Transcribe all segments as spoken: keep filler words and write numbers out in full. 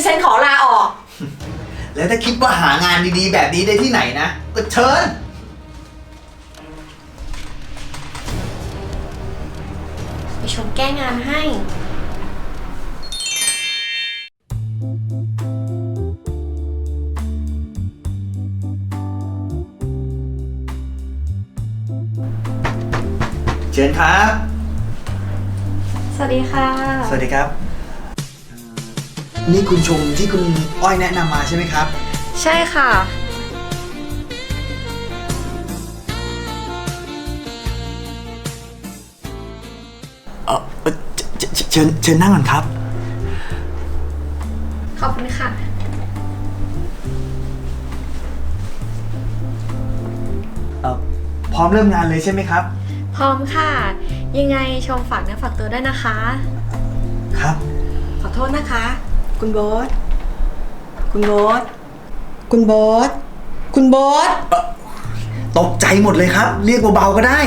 ฉันขอลาออกแล้วถ้าคิดว่าหางานดีๆแบบนี้ได้ที่ไหนนะก็เชิญไปชมแก้งานให้เชิญครับสวัสดีค่ะสวัสดีครับ นี่คุณชมที่คุณอ้อยแนะนำมาใช่ไหมครับใช่ค่ะเออเอ่อเชเชเชิญเชิญนั่งก่อนครับขอบคุณค่ะเออพร้อมเริ่มงานเลยใช่ไหมครับพร้อมค่ะ ยังไงชมฝากเนื้อฝากตัวด้วยนะคะครับขอโทษนะคะ คุณโบ๊ทคุณโบ๊ทคุณโบ๊ทคุณโบ๊ทตกใจหมดเลยครับ เรียกเบาๆก็ได้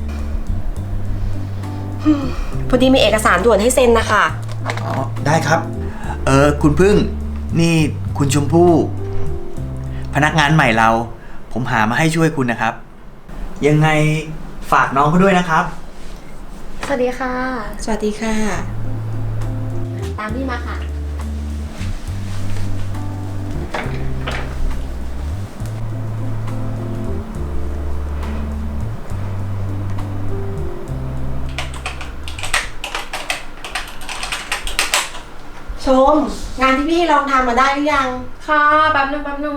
พอดีมีเอกสารด่วนให้เซ็นนะคะอ๋อ ได้ครับ เออคุณพึ่ง นี่คุณชมพู่ พนักงานใหม่เรา ผมหามาให้ช่วยคุณนะครับ ยังไงฝากน้องเขาด้วยนะครับสวัสดีค่ะสวัสดีค่ะตามพี่มาค่ะชม งานที่พี่ให้ลองทำมาได้หรือยังค่ะ แป๊บนึงแป๊บนึง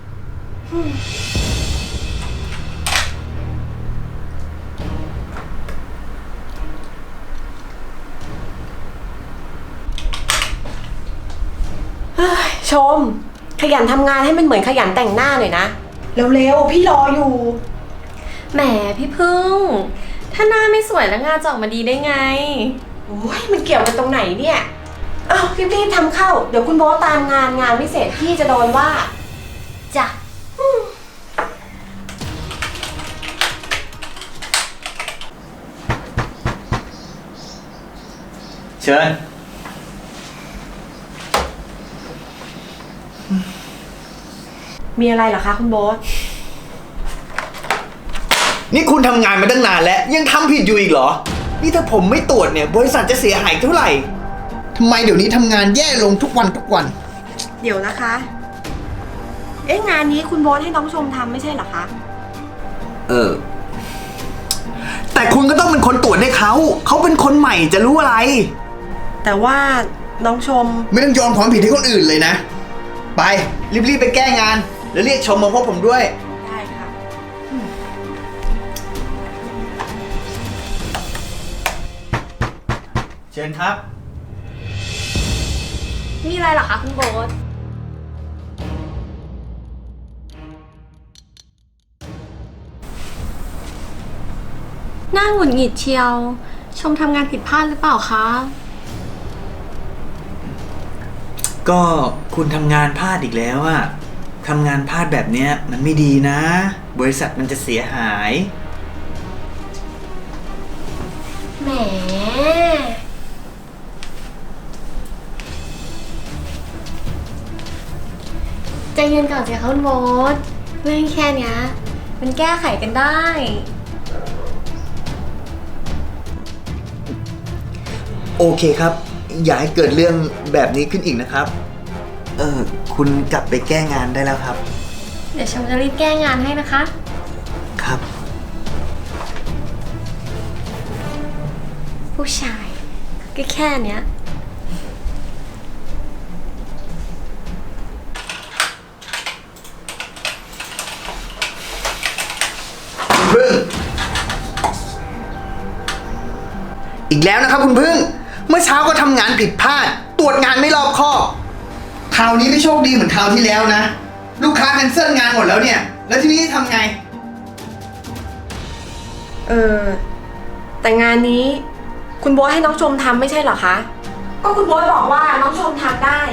ชม ขยันทำงานให้มันเหมือนขยันแต่งหน้าหน่อยนะ เร็วๆ พี่รออยู่แหมพี่พึ่ง ถ้าหน้าไม่สวยแล้วงานจะออกมาดีได้ไงโอ้ยมันเกี่ยวกันตรงไหนเนี่ยอ้าวรีบๆทำเข้า เดี๋ยวคุณโบ๊ทตามงานงานไม่เสร็จพี่จะโดนว่าจ้ะเชิญมีอะไรเหรอคะคุณโบ๊ทนี่คุณทำงานมาตั้งนานแล้ว ยังทำผิดอยู่อีกเหรอ นี่ถ้าผมไม่ตรวจเนี่ย บริษัทจะเสียหายเท่าไหร่ทำไมเดี๋ยวนี้ทำงานแย่ลงทุกวันทุกวันเดี๋ยวนะคะ เอ๊ะงานนี้คุณโบ๊ทให้น้องชมทำไม่ใช่เหรอคะเออ แต่คุณก็ต้องเป็นคนตรวจให้เขา เขาเป็นคนใหม่จะรู้อะไรแต่ว่าน้องชมไม่ต้องโยนความผิดให้คนอื่นเลยนะ ไป รีบๆไปแก้งาน แล้วเรียกชมมาพบผมด้วยได้ค่ะเชิญครับมีอะไรเหรอคะคุณโบ๊ท หน้าหงุดหงิดเชียว ชมทำงานผิดพลาดหรือเปล่าคะก็คุณทำงานพลาดอีกแล้วอะทำงานพลาดแบบเนี้ยมันไม่ดีนะ บริษัทมันจะเสียหายแหม ใจเย็นก่อนสิคะคุณโบ๊ทเรื่องแค่เนี้ยมันแก้ไขกันได้โอเคครับ อย่าให้เกิดเรื่องแบบนี้ขึ้นอีกนะครับ เออ คุณกลับไปแก้งานได้แล้วครับเดี๋ยวชมจะรีบแก้งานให้นะคะครับผู้ชายก็แค่เนี้ยคุณพึ่ง อีกแล้วนะครับคุณพึ่ง เมื่อเช้าก็ทำงานผิดพลาด ตรวจงานไม่รอบคอบคราวนี้ไม่โชคดีเหมือนคราวที่แล้วนะ ลูกค้าแคนเซิลงานหมดแล้วเนี่ย แล้วทีนี้ทำไงเออ แต่งานนี้ คุณโบ๊ทให้น้องชมทำไม่ใช่เหรอคะ ก็คุณโบ๊ทบอกว่าน้องชมทำได้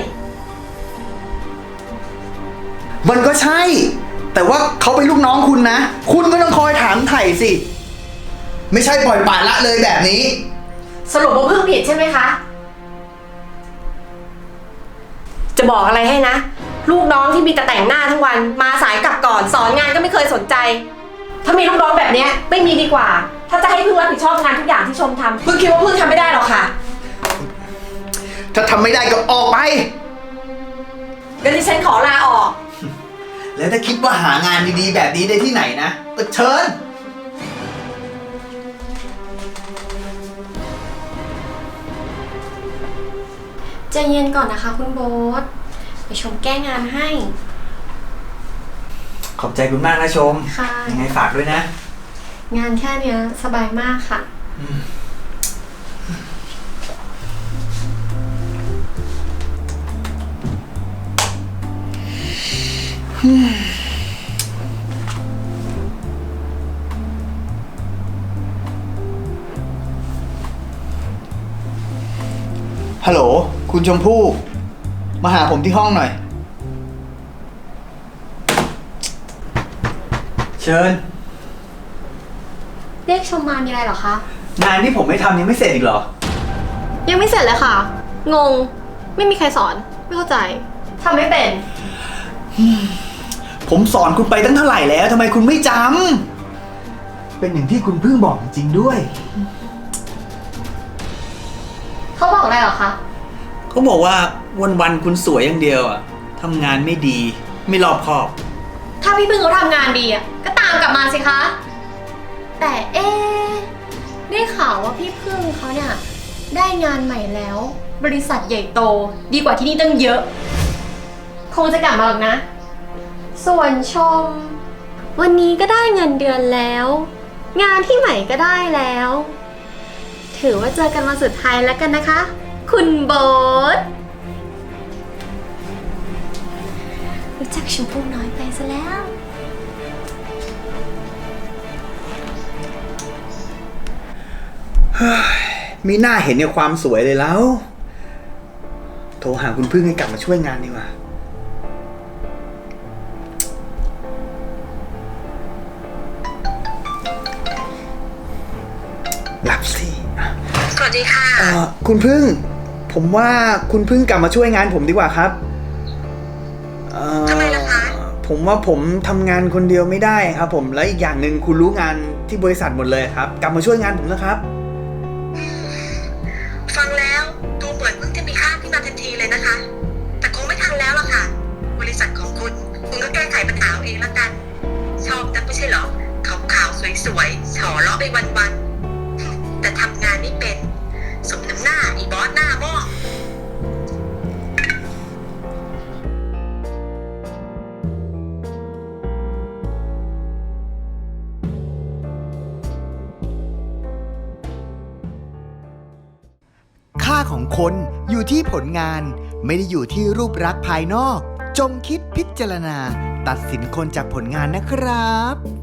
มันก็ใช่ แต่ว่าเขาเป็นลูกน้องคุณนะ คุณก็ต้องคอยถามไถ่สิ ไม่ใช่ปล่อยปละละเลยแบบนี้สรุปว่าเพิ่งผิดใช่ไหมคะจะบอกอะไรให้นะ ลูกน้องที่มีแต่แต่งหน้าทั้งวันมาสายกลับก่อนสอนงานก็ไม่เคยสนใจ ถ้ามีลูกน้องแบบเนี้ยไม่มีดีกว่า ถ้าจะให้พึ่งรับผิดชอบงานทุกอย่างที่ชมทำพึ่งคิดว่าพึ่งทำไม่ได้หรอกค่ะถ้าทำไม่ได้ก็ออกไปงั้นดิฉันขอลาออกแล้วถ้าคิดว่าหางานดีๆแบบนี้ได้ที่ไหนนะก็เชิญใจเย็นก่อนนะคะคุณโบ๊ทไปชมแก้งานให้ขอบใจคุณมากนะชมค่ะยังไงฝากด้วยนะงานแค่เนี้ยสบายมากค่ะฮัลโหล คุณชมพู่ มาหาผมที่ห้องหน่อย เชิญเรียกชมมามีอะไรเหรอคะงานที่ผมไม่ทำยังไม่เสร็จอีกเหรอยังไม่เสร็จเลยค่ะ งง ไม่มีใครสอน ไม่เข้าใจทำไม่เป็นผมสอนคุณไปตั้งเท่าไหร่แล้วทำไมคุณไม่จำ เป็นอย่างที่คุณเพิ่งบอกจริงๆด้วยเขาบอกอะไรเหรอคะเขาบอกว่าวันๆคุณสวยอย่างเดียวอะทำงานไม่ดี ไม่รอบคอบถ้าพี่พึ่งเขาทำงานดีอ่ะก็ตามกลับมาสิคะ แต่เอ๊ะได้ข่าวว่าพี่พึ่งเขาเนี่ยได้งานใหม่แล้ว บริษัทใหญ่โตดีกว่าที่นี่ตั้งเยอะ คงจะกลับมาหรอกนะ ส่วนชม วันนี้ก็ได้เงินเดือนแล้ว งานที่ใหม่ก็ได้แล้ว ถือว่าเจอกันวันสุดท้ายแล้วกันนะคะ คุณโบ๊ทรู้จักชมพู่น้อยไปซะแล้วมีหน้าเห็นในความสวยเลยแล้ว โทรหาคุณพึ่งให้กลับมาช่วยงานดีกว่า หลับสิสวัสดีค่ะเอ่อคุณพึ่ง ผมว่าคุณพึ่งกลับมาช่วยงานผมดีกว่าครับเอ่อทำไมล่ะคะผมว่าผมทำงานคนเดียวไม่ได้ครับ ผมและอีกอย่างหนึ่งคุณรู้งานที่บริษัทหมดเลยครับ กลับมาช่วยงานผมนะครับฟังแล้วดูเหมือนเพิ่งจะมีค่าขึ้นมาทันทีเลยนะคะ แต่คงไม่ทันแล้วล่ะค่ะ บริษัทของคุณคุณก็แก้ไขปัญหาเอาเองละกัน ชอบนักไม่ใช่เหรอขาวๆสวยๆฉอเลาะไปวันๆแต่ทำงานไม่เป็นสมน้ำหน้าอีบอสหน้าหม้อค่าของคนอยู่ที่ผลงานไม่ได้อยู่ที่รูปลักษณ์ภายนอก จงคิดพิจารณา ตัดสินคนจากผลงานนะครับ